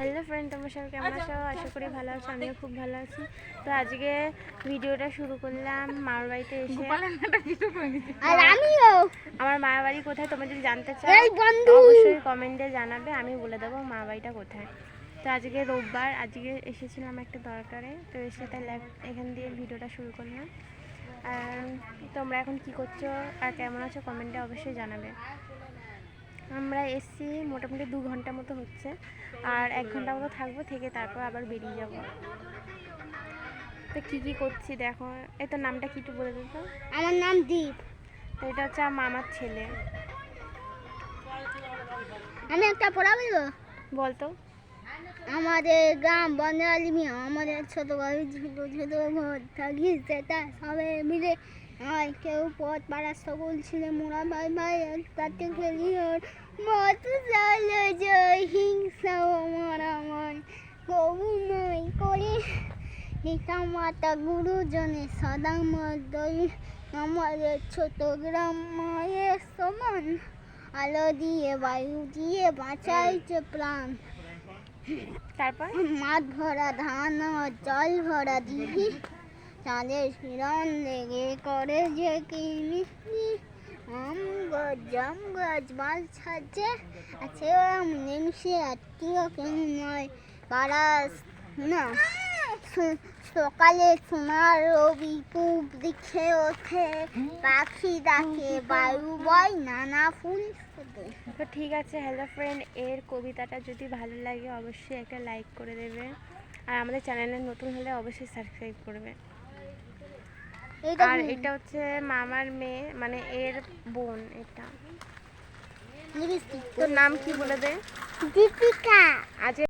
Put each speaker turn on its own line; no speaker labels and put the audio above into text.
Hello friend, তোমরা সবাই কেমন আছো? আশা করি ভালো আছো, আমিও খুব ভালো আছি। তো আজকে ভিডিওটা শুরু করলাম মামার বাড়িতে এসে।
আর আমিও
আমার মামার বাড়ি কোথায় তোমরা যদি জানতে চাও অবশ্যই কমেন্টে জানাবে, আমি বলে দেবো মামার বাড়িটা কোথায়। তো আজকে রোববার, আজকে এসেছিলাম একটা দরকারে, তো এসে তাই এখান দিয়ে ভিডিওটা শুরু করলাম। আর তোমরা এখন কি করছো আর কেমন আছো কমেন্টে অবশ্যই জানাবে। আমরা এসছি মোটামুটি 2 ঘন্টা মতো হচ্ছে, আর 1 ঘন্টা মতো থাকবো, থেকে তারপর আবার বেরিয়ে যাব। তো কী করছি দেখো। এই তো নামটা কি একটু বলে দিত?
আমার নাম দীপ।
তো এটা হচ্ছে আমার মামার ছেলে।
আমি একটা পড়া বলবো।
বলতো।
আমাদের গ্রাম বন্ধালিমি, আমাদের ছোট বাড়ি ছোট ছোট ঘর থাকি, সেটা সবাই মিলে হয়। কেউ পথ পাড়া সকল ছিল মোরা ভাই ভাই একসাথে খেলি আর মত চালো জয় হিংসা আমার আমার কবু নয় করে পিতা মাতা গুরুজনে সদা মদল আমাদের ছোট গ্রাম মায়ের সমান আলো দিয়ে বায়ু দিয়ে বাঁচাইছে প্রাণ।
তারপর
মাঠ ভরা ধান আর জল ভরা দিঘি, চাঁদের হিরণ লেগে করে যে কি মিষ্টি। আম গাছ জাম গাছ মাল ছাড়ছে আছে নিমিশে আত্মীয় কেউ নয় পাড়া না। সকালে সোনার রবি পূব দিকে ওঠে, পাখি ডাকে বায়ু বয় নানা ফুল ফোটে।
তো ঠিক আছে হ্যালো ফ্রেন্ড, এর কবিতাটা যদি ভালো লাগে অবশ্যই একটা লাইক করে দেবে, আর আমাদের চ্যানেলে নতুন হলে অবশ্যই সাবস্ক্রাইব করবে। আর এটা হচ্ছে মামার মেয়ে, মানে এর বোন। এটা তোর নাম কি বলে দে?
দীপিকা।
আজ